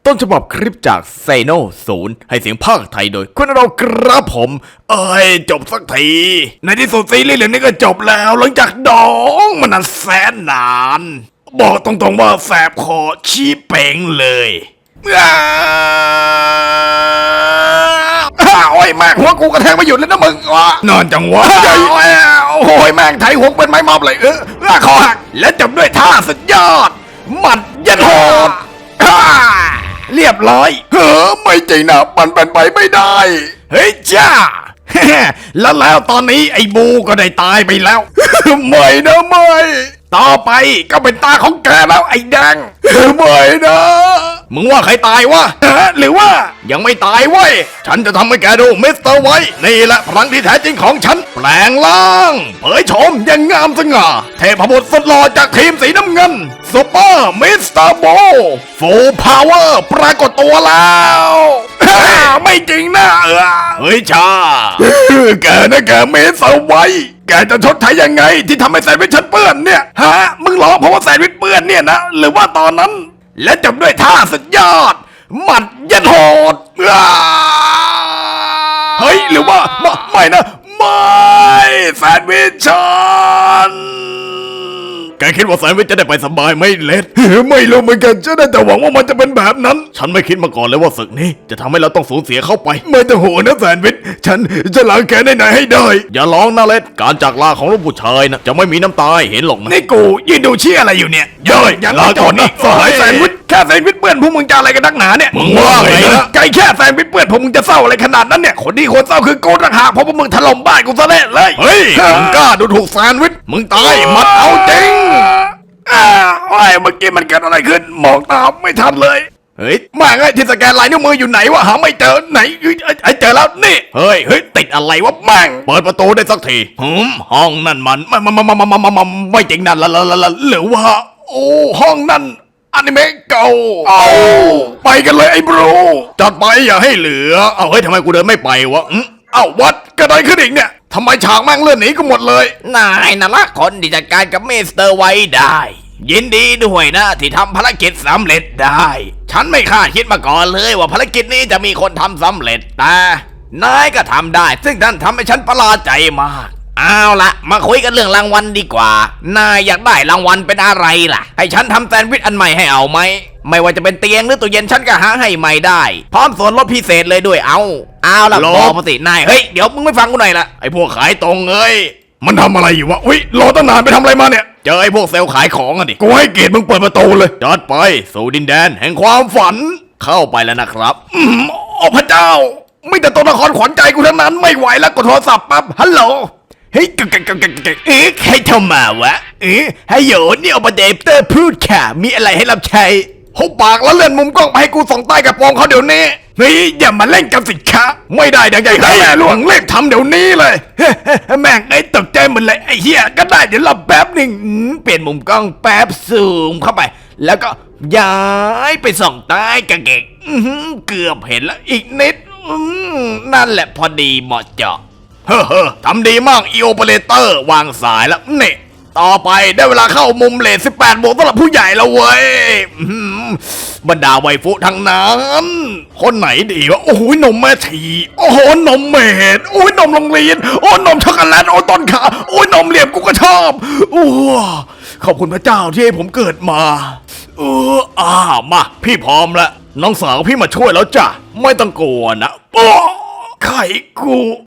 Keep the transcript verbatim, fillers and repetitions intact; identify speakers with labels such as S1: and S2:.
S1: ต้นฉบับคลิปจากไซโนศูนย์ให้เสียงภาคไทยโดยคุณเราครับผมเอ้ยจบสักทีในที่สุดซีรีส์เรื่องนี้ก็จบแล้วหลังจากดองมันนานแสนนานบอกตรงๆว่าแสบคอชี้เป่งเลยอ้าวโอ้ยแม่งหัวกูกระแทกไม่หยุดเลยนะมึงวะนอนจังวะโอ้ยแม่งไถหัวเป็นไม้มอบเลยเออคอหักและจบด้วยท่าสุดยอดหมัดยันโหดเรียบร้อยเฮ้อไม่จริงนะมันเป็นไปไม่ได้เฮ้ยจ้า แล้วแล้วตอนนี้ไอ้บูก็ได้ตายไปแล้ว ไม่นะไม่ต่อไปก็เป็นตาของแกแล้วไอ้แดง ไม่นะมึงว่าใครตายวะ หรือว่ายังไม่ตายเว้ยฉันจะทำให้แกดูมิสเตอร์ไว้นี่แหละพลังที่แท้จริงของฉันแปลงร่างเผยโฉมอย่างงามสง่าเทพบุตรสุดหล่อจากทีมสีน้ำเงินซุปเปอร์มิสเตอร์โบฟูลพาวเวอร์ปรากฏตัวแล้ว ไม่จริงนะเออเฮ้ยชา แกนะแกมิสเตอร์ไว้แกจะชดใช้ยังไงที่ทำให้แซนด์วิชฉันเปื้อนเนี่ยฮะมึงร้องเพราะว่าแซนด์วิชเปื้อนเนี่ยนะหรือว่าตอนนั้นและจบด้วยท่าสุดยอดหมัดยันโหดเฮ้ยหรือว่าไม่ไม่นะไม่แซนด์วิชฉันแกคิดว่าแซนด์วิชจะได้ไปสบายไม่เล็ด ไม่รู้เหมือนกันฉันได้แต่หวังว่ามันจะเป็นแบบนั้นฉันไม่คิดมาก่อนเลยว่าศึกนี้จะทำให้เราต้องสูญเสียเข้าไปไม่ต้องห่วงนะแซนด์วิชฉันจะล้างแค้นได้ไหนให้ได้อย่าร้องนะเล็ดการจากลาของลูกผู้ชายนะจะไม่มีน้ำตาเห็นหรอกนะนี่กูยืนดูเชี่ยอะไรอยู่เนี่ยเย้ยอย่าลาก่อนนะสหายแซนด์วิชแค่แซนด์วิชเปื้อนพวกมึงจะอะไรกันนักหนาเนี่ยมึงว่าไงนะไกลแค่แซนด์วิชเปื้อนพวกมึงจะเศร้าอะไรขนาดนั้นเนี่ยคนที่ควรเศร้าคือกูต่างหากเพราะพวกมึงถล่มบ้านกูซะแล้วเลยเฮ้ยมึงกล้าดูถูกแซนด์วิชมึงตายมัดเอาจริงอ้าวไอ้เมื่อกี้มันเกิดอะไรขึ้นมองตามไม่ทันเลยเฮ้ยมาไงที่สแกนลายนิ้วมืออยู่ไหนวะหาไม่เจอไหนไอ้เจอแล้วนี่เฮ้ยเฮ้ยติดอะไรวะแม่งเปิดประตูได้สักทีหืมห้องนั่นมันไม่ไม่ไม่ไม่ไม่ไม่ไม่จริงนั่นละละละละหรือว่าโอ้ห้องนั่นอนิเมะเก่าเอาไปกันเลยไอ้บรูจัดไปอย่าให้เหลือเอาเฮ้ยทำไมกูเดินไม่ไปวะเอ้าวัดกระไดขึ้นอีกเนี่ยทำไมฉากแม่งเลื่อนหนีก็หมดเลยนายน่ะละคนที่จัดการกับมิสเตอร์ไว้ได้ยินดีด้วยนะที่ทำภารกิจสำเร็จได้ฉันไม่คาดคิดมาก่อนเลยว่าภารกิจนี้จะมีคนทำสำเร็จแต่นายก็ทำได้ซึ่งท่านทำให้ฉันประหลาดใจมากเอาละมาคุยกันเรื่องรางวัลดีกว่านายอยากได้รางวัลเป็นอะไรล่ะให้ฉันทำแซนด์วิชอันใหม่ให้เอาไหมไม่ว่าจะเป็นเตียงหรือตู้เย็นฉันก็หาให้ใหม่ได้พร้อมส่วนลดพิเศษเลยด้วยเอาเอาละบอกมาสินายเฮ้ยเดี๋ยวมึงไม่ฟังกูหน่อยละไอพวกขายตรงเอ้ยมันทำอะไรอยู่วะอุ้ยรอตั้งนานไปทำอะไรมาเนี่ยเจอไอพวกเซลล์ขายของอะดิกูให้เกียรติมึงเปิดประตูเลยจัดไปสู่ดินแดนแห่งความฝันเข้าไปแล้วนะครับอืมโอ้พระเจ้าไม่แต่ตัวละครขวัญใจกูทั้งนั้นไม่ไหวแล้วกดโทรศัพท์ปั๊บฮัลโหลเฮ้ยกกกกกเอ๊ะใครโทรมาวะเอ๊ะฮัลโหลนี่อปเดปเตอร์พูดค่ะมีอะไรให้รับใช้หุบปากแล้วเลื่อนมุมกล้องไปให้กูส่องใต้กระโปรงเขาเดี๋ยวนี้เฮ้ยอย่ามาเล่นกันสิคะไม่ได้ดังใจแม่หลวงเล่นทำเดี๋ยวนี้เลยแม่งไอ้ตกใจหมดเลยไอ้เหี้ยก็ได้เดี๋ยวรับแป๊บหนึ่งเปลี่ยนมุมกล้องแป๊บซูมเข้าไปแล้วก็ย้ายไปส่องใต้กระเกงเกือบเห็นแล้วอีกนิดนั่นแหละพอดีเหมาะเจาะเฮ้อทำดีมากอีโอเปอเรเตอร์วางสายแล้วเนี่ยต่อไปได้เวลาเข้ามุมเลทสิบแปดบวกสำหรับผู้ใหญ่แล้วเว้ยบรรดาไวฟุทั้งนั้นคนไหนดีวะโอ้โหนมแม่ทีโอ้โหนมเมดโอ้ยนมโรงเรียนโอ้นมช็อกโกแลตโอ้ต้นขาโอ้ยนมเหลี่ยมกูก็ชอบโอ้ขอบคุณพระเจ้าที่ให้ผมเกิดมาเอออ่ามาพี่พร้อมแล้วน้องสาวพี่มาช่วยแล้วจ้ะไม่ต้องกลัวนะโอ้ไข่กู